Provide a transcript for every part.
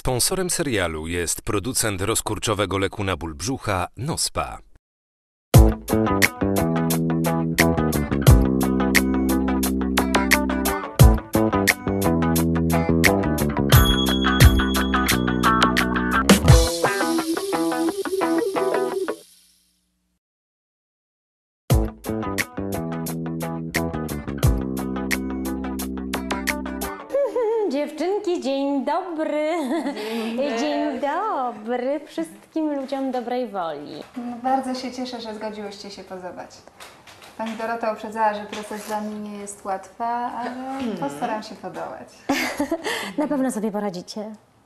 Sponsorem serialu jest producent rozkurczowego leku na ból brzucha Nospa. Dziewczynki, dzień dobry. Dzień dobry wszystkim ludziom dobrej woli. No, bardzo się cieszę, że zgodziłyście się pozować. Pani Dorota uprzedzała, że proces dla mnie nie jest łatwy, ale postaram się podołać. Na pewno sobie poradzicie.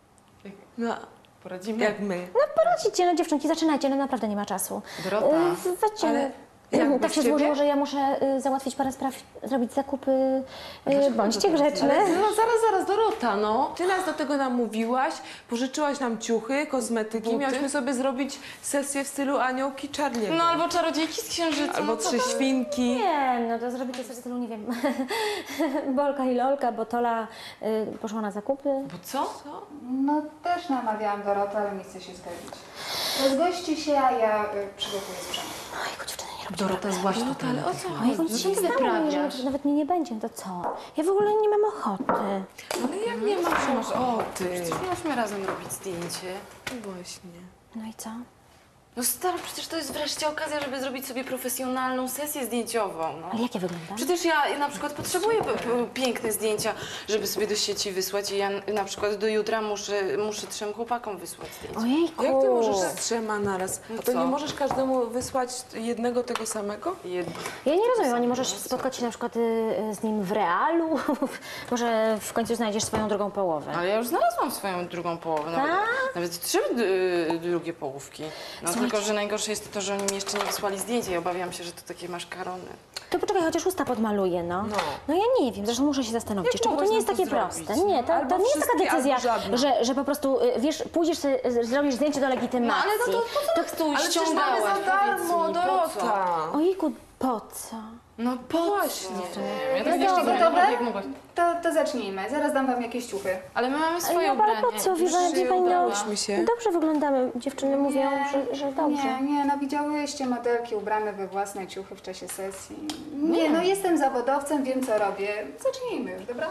No, poradzimy jak my. No poradzicie, no dziewczynki, zaczynajcie, no naprawdę nie ma czasu. Dorota, Zaczynamy. jak Tak się bez złożyło, ciebie? że ja muszę załatwić parę spraw, zrobić zakupy. Bądźcie grzeczne. No zaraz, Dorota, no. Ty nas do tego namówiłaś, pożyczyłaś nam ciuchy, kosmetyki, Buty? miałyśmy sobie zrobić sesję w stylu aniołki Charlie'ego. No albo czarodziejki z księżyca. Albo no co trzy to? świnki. Nie, no to zrobicie sobie w stylu, nie wiem, Bolka i Lolka, bo Tola poszła na zakupy. Bo co? No też namawiałam Dorotę, ale nie chce się zgodzić. Rozgości się, a ja przygotuję sprzęt. Ojku, dziewczyny, nie robicie. Dorota, złaś No tutaj. ale o co Ojku, chodzi? nic się nie stało, jeżeli nawet mnie nie będzie, to co? Ja w ogóle nie mam ochoty. Ale jak nie masz ochoty? Przecież miałyśmy razem robić zdjęcie. Właśnie. No i co? No stary, przecież to jest wreszcie okazja, żeby zrobić sobie profesjonalną sesję zdjęciową, no. Ale jak ja wyglądam? Przecież ja na przykład potrzebuję piękne zdjęcia, żeby sobie do sieci wysłać i ja na przykład do jutra muszę 3 chłopakom wysłać zdjęcia. Ojejku. Jak ty możesz z 3 naraz? No A to co? nie możesz każdemu wysłać jednego tego samego? Ja nie rozumiem, a nie możesz spotkać się na przykład z nim w realu? Może w końcu znajdziesz swoją drugą połowę? Ale ja już znalazłam swoją drugą połowę, nawet 3 drugie połówki. No tylko, że najgorsze jest to, że oni mi jeszcze nie wysłali zdjęcia i obawiam się, że to takie maszkarony. To poczekaj, chociaż usta podmaluję, no. No ja nie wiem, zresztą muszę się zastanowić Jak jeszcze, bo to mogłaś nie jest nam takie to proste. zrobić? Nie, to Albo nie jest taka wszystkie, decyzja, albo żadna. że po prostu, wiesz, pójdziesz sobie, zrobisz zdjęcie do No legitymacji. ale to po co tu Ale przecież mamy ściągałaś? za darmo, Powiedz mi, po co? Dorota. Ojejku, po co? No po Właśnie. Ja tak Jesteście nie rozumiem, gotowe? jak mogłaś. To zacznijmy. Zaraz dam wam jakieś ciuchy. Ale my mamy swoje No, ale ubranie. po co? Wie pani, no, udałyśmy się. dobrze wyglądamy. Dziewczyny mówią, że dobrze. Nie, no widziałyście modelki ubrane we własne ciuchy w czasie sesji. Nie, no jestem zawodowcem, wiem co robię. Zacznijmy już, dobra?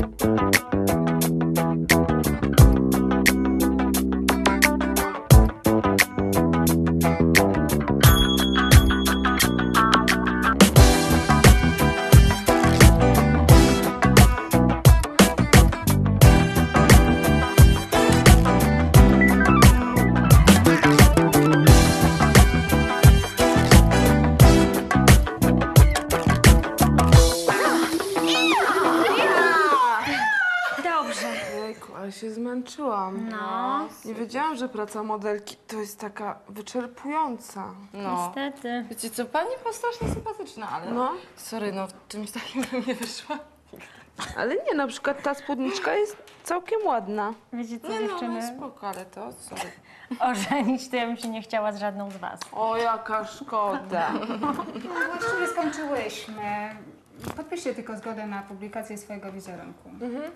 Dobrze. Jejku, ale się zmęczyłam. No, Nie wiedziałam, że praca modelki to jest taka wyczerpująca. No. niestety. Wiecie co, pani była strasznie sympatyczna, ale No. sorry, no w czymś takim bym nie wyszła. Ale nie, na przykład ta spódniczka jest całkiem ładna. Wiecie co, Nie no, dziewczyny? no spoko, ale to sorry. Ożenić to ja bym się nie chciała z żadną z was. O, jaka szkoda. No właściwie skończyłyśmy. Podpiszcie tylko zgodę na publikację swojego wizerunku.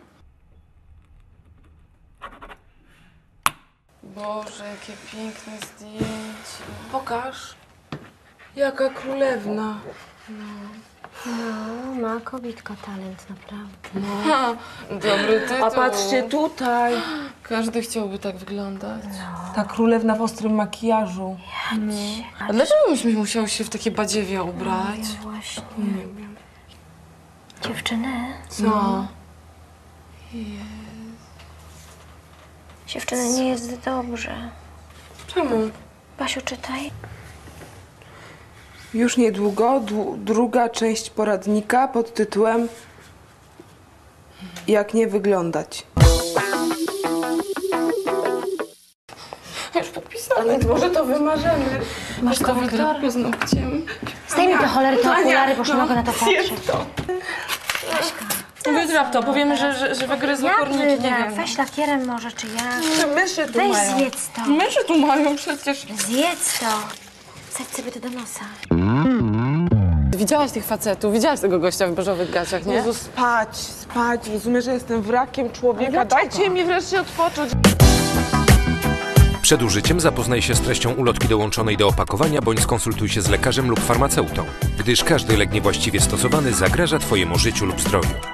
Boże, jakie piękne zdjęcie. Pokaż. Jaka królewna. No, ma kobitka talent, naprawdę. Ha, dobry tytuł. A patrzcie tutaj. Każdy chciałby tak wyglądać. Ta królewna w ostrym makijażu. A dlaczego myśmy musiały się w takie badziewie ubrać? Właśnie. Nie wiem. Dziewczyny, Co? dziewczyny, nie jest dobrze. Czemu? Basiu, czytaj. Już niedługo druga część poradnika pod tytułem Jak nie wyglądać. Już podpisane. Może to wymarzymy. Masz to korek? wygrać paznokciem. Zdejmij te cholery, te okulary, bo już nie mogę na to patrzeć. Wygra w to, powiemy, że wygryzły Ja korniki, nie wygram. wiem. Weź lakierem może, czy ja? Czy myszy tu Weź mają? zjedz to. Myszy tu mają przecież. Zjedz to. Wsadź sobie to do nosa. Widziałaś tych facetów, widziałaś tego gościa w beżowych gaciach, nie? Jezu, spać. Rozumiesz, że jestem wrakiem człowieka. Ale dlaczego? Dajcie mi wreszcie odpocząć. Przed użyciem zapoznaj się z treścią ulotki dołączonej do opakowania bądź skonsultuj się z lekarzem lub farmaceutą, gdyż każdy lek niewłaściwie stosowany zagraża Twojemu życiu lub zdrowiu.